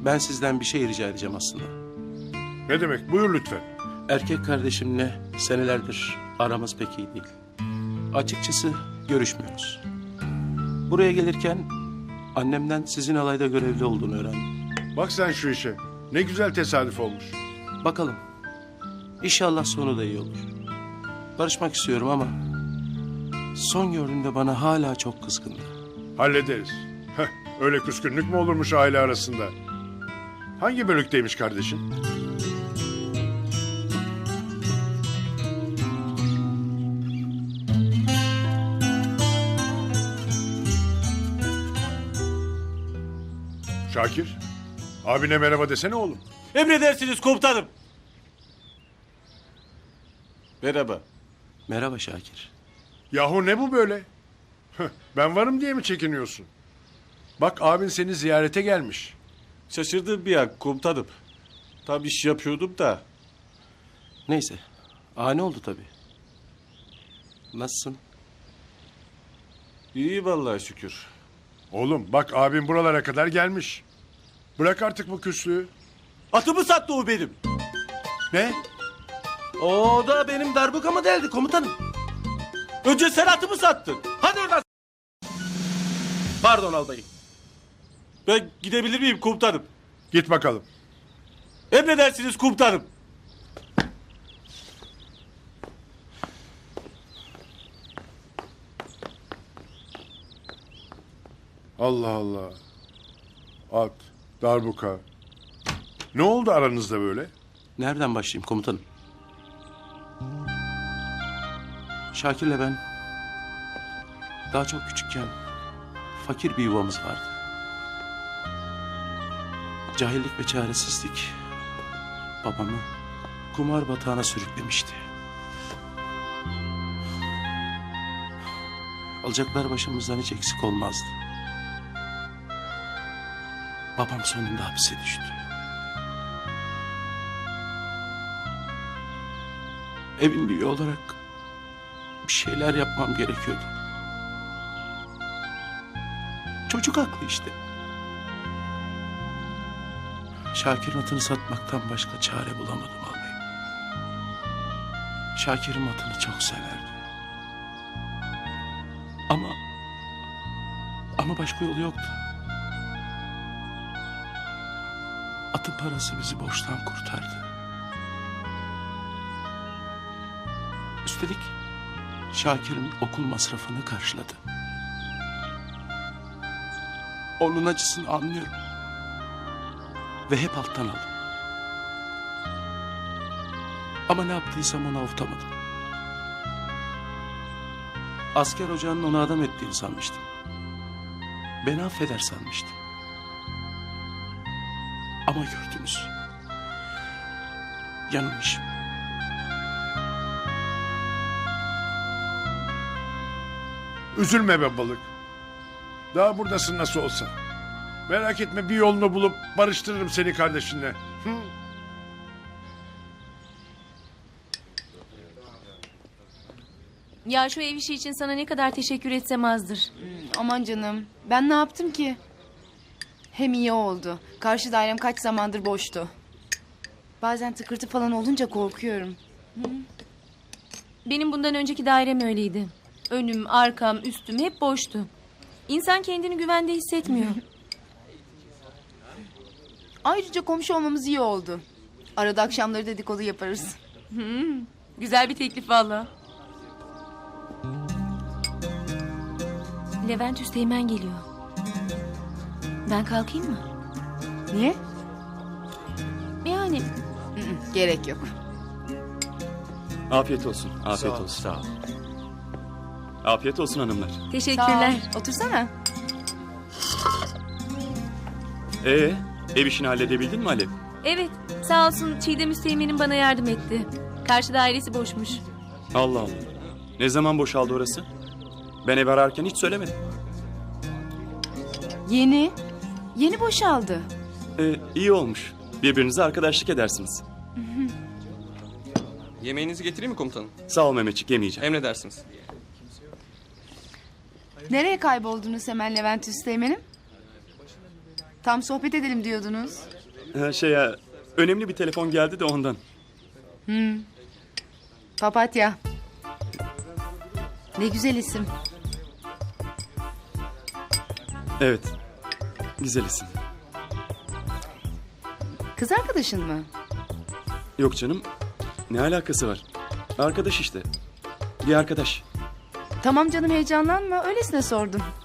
Ben sizden bir şey rica edeceğim aslında. Ne demek? Buyur lütfen. Erkek kardeşimle senelerdir aramız pek iyi değil. Açıkçası görüşmüyoruz. Buraya gelirken annemden sizin alayda görevli olduğunu öğrendim. Bak sen şu işe. Ne güzel tesadüf olmuş. Bakalım. İnşallah sonu da iyi olur. Barışmak istiyorum ama son gördüğümde bana hala çok kızgındı. Hallederiz. Heh, öyle küskünlük mü olurmuş aile arasında? Hangi bölükteymiş kardeşin? Şakir, abine merhaba desene oğlum. Emredersiniz komutanım. Merhaba. Merhaba Şakir. Yahu ne bu böyle? Heh, ben varım diye mi çekiniyorsun? Bak abin seni ziyarete gelmiş. Şaşırdım bir an komutanım. Tam iş yapıyordum da. Neyse. Ani oldu tabii. Nasılsın? İyi vallahi şükür. Oğlum bak abin buralara kadar gelmiş. Bırak artık bu küslüğü. Atımı sattı o benim. Ne? O da benim darbukamı deldi komutanım. Önce sen atımı sattın. Hadi oradan. Pardon albayım. Ben gidebilir miyim komutanım? Git bakalım. Emredersiniz komutanım. Allah Allah. At, darbuka. Ne oldu aranızda böyle? Nereden başlayayım komutanım? Şakir'le ben daha çok küçükken fakir bir yuvamız vardı. Cahillik ve çaresizlik babamı kumar batağına sürüklemişti. Alacaklar başımızdan hiç eksik olmazdı. Babam sonunda hapse düştü. Evin büyüğü olarak bir şeyler yapmam gerekiyordu. Çocuk haklı işte. Şakir'in atını satmaktan başka çare bulamadım albayım. Şakir'in atını çok severdi. Ama başka yolu yoktu. Atın parası bizi borçtan kurtardı. Üstelik Şakir'in okul masrafını karşıladı. Onun acısını anlıyorum. Ve hep alttan aldım. Ama ne yaptıysam onu avutamadım. Asker ocağının onu adam ettiğini sanmıştım. Beni affeder sanmıştım. Ama gördünüz. Yanılmışım. Üzülme be balık. Daha buradasın nasıl olsa. Merak etme bir yolunu bulup barıştırırım seni kardeşinle. Hı? Ya şu ev işi için sana ne kadar teşekkür etsem azdır. Aman canım. Ben ne yaptım ki? Hem iyi oldu. Karşı dairem kaç zamandır boştu. Bazen tıkırtı falan olunca korkuyorum. Benim bundan önceki dairem öyleydi. Önüm, arkam, üstüm hep boştu. İnsan kendini güvende hissetmiyor. Ayrıca komşu olmamız iyi oldu. Arada akşamları dedikodu yaparız. Güzel bir teklif valla. Levent Üsteğmen geliyor. Ben kalkayım mı? Niye? Yani Gerek yok. Afiyet olsun. Afiyet olsun. Sağ ol. Afiyet olsun hanımlar. teşekkürler. Sağ ol. Otursana. Ev işini halledebildin mi Alev? Evet, sağ olsun Çiğdem Üsteğmen'in bana yardım etti. Karşı dairesi boşmuş. Allah Allah. Ne zaman boşaldı orası? Ben ev ararken hiç söylemedim. Yeni. Yeni boşaldı. İyi olmuş. Birbirinize arkadaşlık edersiniz. Yemeğinizi getireyim mi komutanım? Sağ ol Mehmetçik, yemeyeceğim. Emredersiniz. Nereye kayboldunuz hemen Levent Üsteğmen'im? Tam sohbet edelim diyordunuz. Şey ya, önemli bir telefon geldi de ondan. Papatya. Ne güzel isim. Evet. Güzel isim. Kız arkadaşın mı? Yok canım. Ne alakası var? Arkadaş işte. Bir arkadaş. Tamam canım, heyecanlanma. Öylesine sordum.